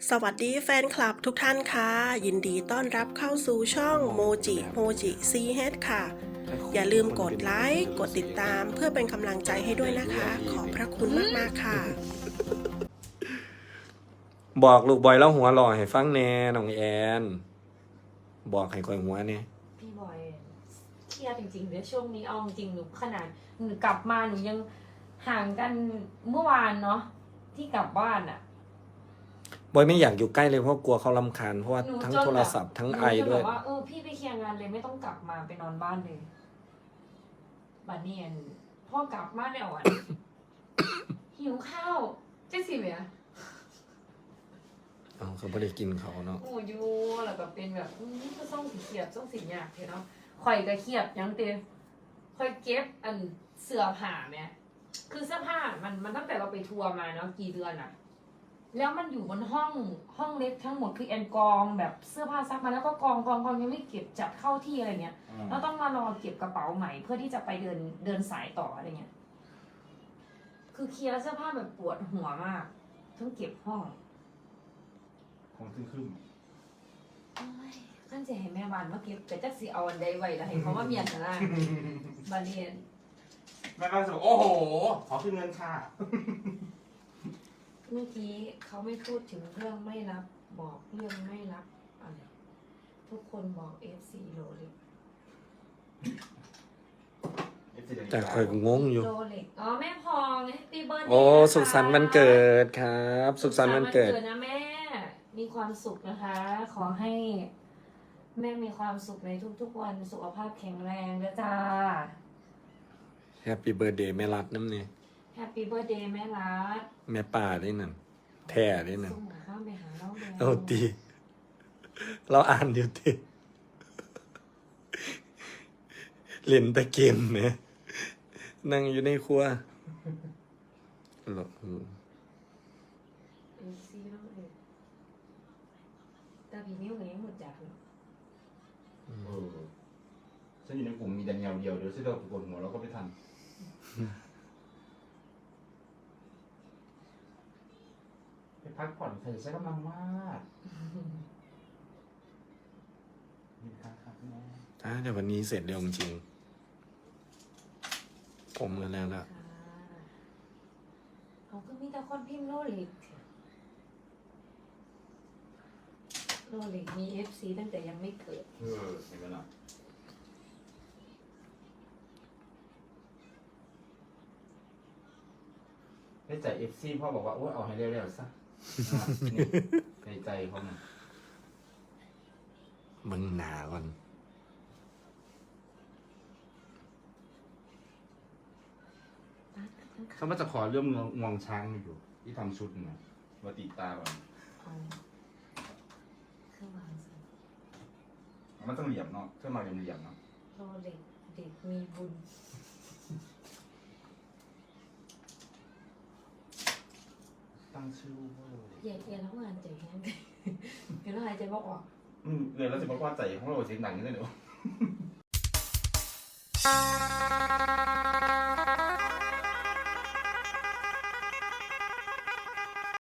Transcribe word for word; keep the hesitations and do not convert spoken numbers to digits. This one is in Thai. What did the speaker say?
สวัสดีแฟนคลับทุกท่านค่ะยินดีต้อนรับเข้าสู่ช่องโมจิโมจิซีเฮดค่ะอย่าลืมกดไลค์กดติดตามเพื่อเป็นกำลังใจให้ด้วยนะคะขอบพระคุณมากๆค่ะบอกลูกบอยแล้วหัวหล่อให้ฟังแน่น้องแอนบอกให้คอยหัวเนี่ยพี่บอยเครียดจริงๆเดี๋ยวช่วงนี้เอาจริงหนูขนาดหนูกลับมาหนูยังห่างกันเมื่อวานเนาะที่กลับบ้านอะบอยไม่อยากอยู่ใกล้เลยเพราะกลัวเขารำคาญเพราะว่าหนูทั้งจนโทรศัพท์ทั้งหนูไอจนด้วยแบบว่าเออพี่ไปเคลียร์งานเลยไม่ต้องกลับมาไปนอนบ้านเลยบัดเนียนพ่อกลับมาแล้วอ่ะ หิวข้าวเจ๊สิเวียเอาเขาไม่ได้กินเขาเนาะโอ้ยแล้วก็เป็นแบบอืมก็ต้องสีเขียบต้องสีหยาบเนาะข่อยก็เขียบยังเต็มข่อยเก็บอันเสื้อผ้าเนี่ยคือเสื้อผ้ามันมันตั้งแต่เราไปทัวร์มาเนาะกี่เดือนอะแล้วมันอยู่บนห้องห้องเล็กทั้งหมดคือแอนกองแบบเสื้อผ้าซักมาแล้วก็กองกองกองยังไม่เก็บจัดเข้าที่อะไรเงี้ยเราต้องมารอเก็บกระเป๋าใหม่เพื่อที่จะไปเดินเดินสายต่ออะไรเงี้ยคือเคลียร์เสื้อผ้าแบบปวดหัวมากทั้งเก็บห้องของขึ้นขึ้นขั้นจะให้แม่บ้านมาเก็บแต่จักสิเอาอันใดไว้แล้วให้เขามาเมียนนะ บาเรียนแม่บ้านจะบอกโอ้โห ขอขึ้นเงินค่ะเมื่อกี้เขาไม่พูดถึงเรื่องไม่รับบอกเรื่องไม่รับอะไรทุกคนบอกเอฟซีโรเล็กแต่คอยงงอยู่โรเล็กอ๋อแม่พองแฮปปี้เบิร์ดโอ้สุขสันต์วันเกิดครับ สุขสันต์วันเกิดนะแม่มีความสุขนะคะ ขอให้ แม่มีความสุขในทุกๆวันสุขภาพแข็งแรงนะจ้าแฮปปี้เบิร์ดเดย์แม่รัดน้ำเนี่ยแฮปปี้เบิร์ดเดย์แม่รักแม่ป่าได้นั่นแท่ได้นั่นส่งข้าวไปหาเราแล้วเอาตีเราอ่านเดี๋ยวตีเล่นแต่เกมเนี่ยนั่งอยู่ในครัวหรอเอฟซีเราเลยแต่พี่นิ้วก็ยังหมดจากเลยเออฉันอยู่ในกลุ่มมีแต่แนวเดียวเดี๋ยวฉันเราปวดหัวเราก็ไม่ทัน ไปพักผ่อนใส่ใช้กำลังมากนี่ครับครับแม่ถ้าเดี๋ยววันนี้เสร็จเร็วจริงๆผมกันแล้วล่ะค่ะเขาก็มีแต่คนพิมพ์โลลิกโลลิกมีเอฟซีตั้งแต่ยังไม่เกิดเออเห็นไหมล่ะได้ใจเอฟซีพ่อบอกว่าโอ้ยเอาให้เร็วๆซะนี่ในใจเขาเนี่ยมึงหนาก่อนเขามาจะขอเรื่องงวงงวงช้างอยู่ ที่ทำชุดนะวัติตาก่อนเอาเครื่องวางสิมันต้องเหลี่ยมเนาะเครื่องมาเหลี่ยมๆเนาะโลลิกเด็กมีบุญตั้งชื่อว่าเย็นเย็นแล้วงานใจแห้งเย็นแล้วหายใจบอกออกอืมเลยแล้วจะบอกว่าใจของเราเสียงดังนี่เลยเนาะ